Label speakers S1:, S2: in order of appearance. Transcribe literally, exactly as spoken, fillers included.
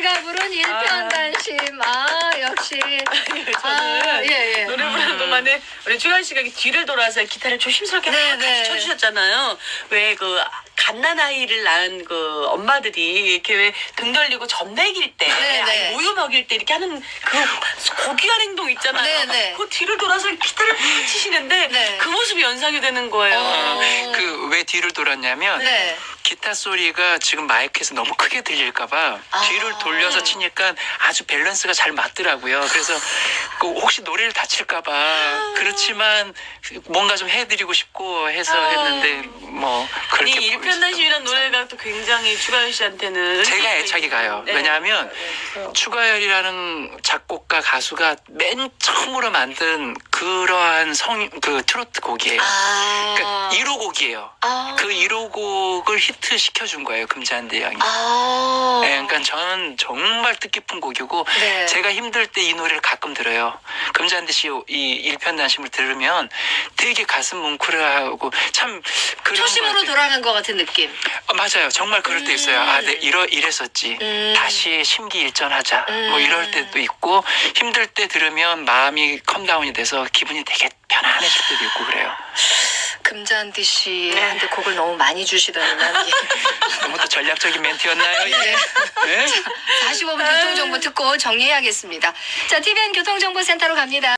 S1: 노래인가 부른 일편단심. 아, 역시.
S2: 저는
S1: 아, 예, 예.
S2: 노래 부르는 동안에 우리 주현 씨가 이렇게 뒤를 돌아서 기타를 조심스럽게
S1: 네,
S2: 막
S1: 네.
S2: 같이 쳐주셨잖아요. 왜 그 갓난 아이를 낳은 그 엄마들이 이렇게 왜 등 돌리고 젖 먹일 때,
S1: 네, 네.
S2: 아니 모유 먹일 때 이렇게 하는 그 고귀한 행동 있잖아요.
S1: 네, 네.
S2: 그 뒤를 돌아서 기타를 팍 치시는데
S1: 네.
S2: 그 모습이 연상이 되는 거예요.
S1: 어.
S3: 그 왜 뒤를 돌았냐면
S1: 네.
S3: 기타 소리가 지금 마이크에서 너무 크게 들릴까봐
S1: 아.
S3: 뒤를 돌려서 치니까 아주 밸런스가 잘 맞더라고요. 그래서 그 혹시 노래를 다칠까봐 그렇지만 뭔가 좀 해드리고 싶고 해서
S1: 아.
S3: 했는데 뭐
S2: 아니
S3: 그렇게
S2: 일편단심이라는 노래가 또 굉장히 추가열 씨한테는
S3: 제가
S2: 의미가
S3: 애착이
S2: 있는,
S3: 가요.
S2: 네.
S3: 왜냐하면
S2: 그래서
S3: 추가열이라는 작곡가 가수가 맨 처음으로 만든 그러한 성 그 트로트 곡이에요.
S1: 아.
S3: 그러니까 일 호 곡이에요.
S1: 아.
S3: 그 일 호 곡을 히트 시켜준 거예요. 금잔디 양이.
S1: 아.
S3: 네, 그러니까 저는 정말 뜻깊은 곡이고
S1: 네.
S3: 제가 힘들 때 이 노래를 가끔 들어요. 금잔디 씨 이 일편단심을 들으면 되게 가슴 뭉클하고 참 그런
S1: 초심으로
S3: 것 같아요.
S1: 돌아간 것 같은 느낌.
S3: 어, 맞아요. 정말 그럴 때 있어요. 아, 네, 이러, 이랬었지.
S1: 음.
S3: 다시 심기일전하자.
S1: 음.
S3: 뭐 이럴 때도 있고 힘들 때 들으면 마음이 컴다운이 돼서 기분이 되게 편안해질 때도 있고 그래요.
S1: 금잔디 씨한테 곡을 너무 많이 주시더니 난 이게
S3: 너무 또 전략적인 멘트였나요? 이게?
S1: 네.
S3: 네?
S1: 사십오 분 교통정보 듣고 정리해야겠습니다. 자, 티비엔 교통정보센터로 갑니다.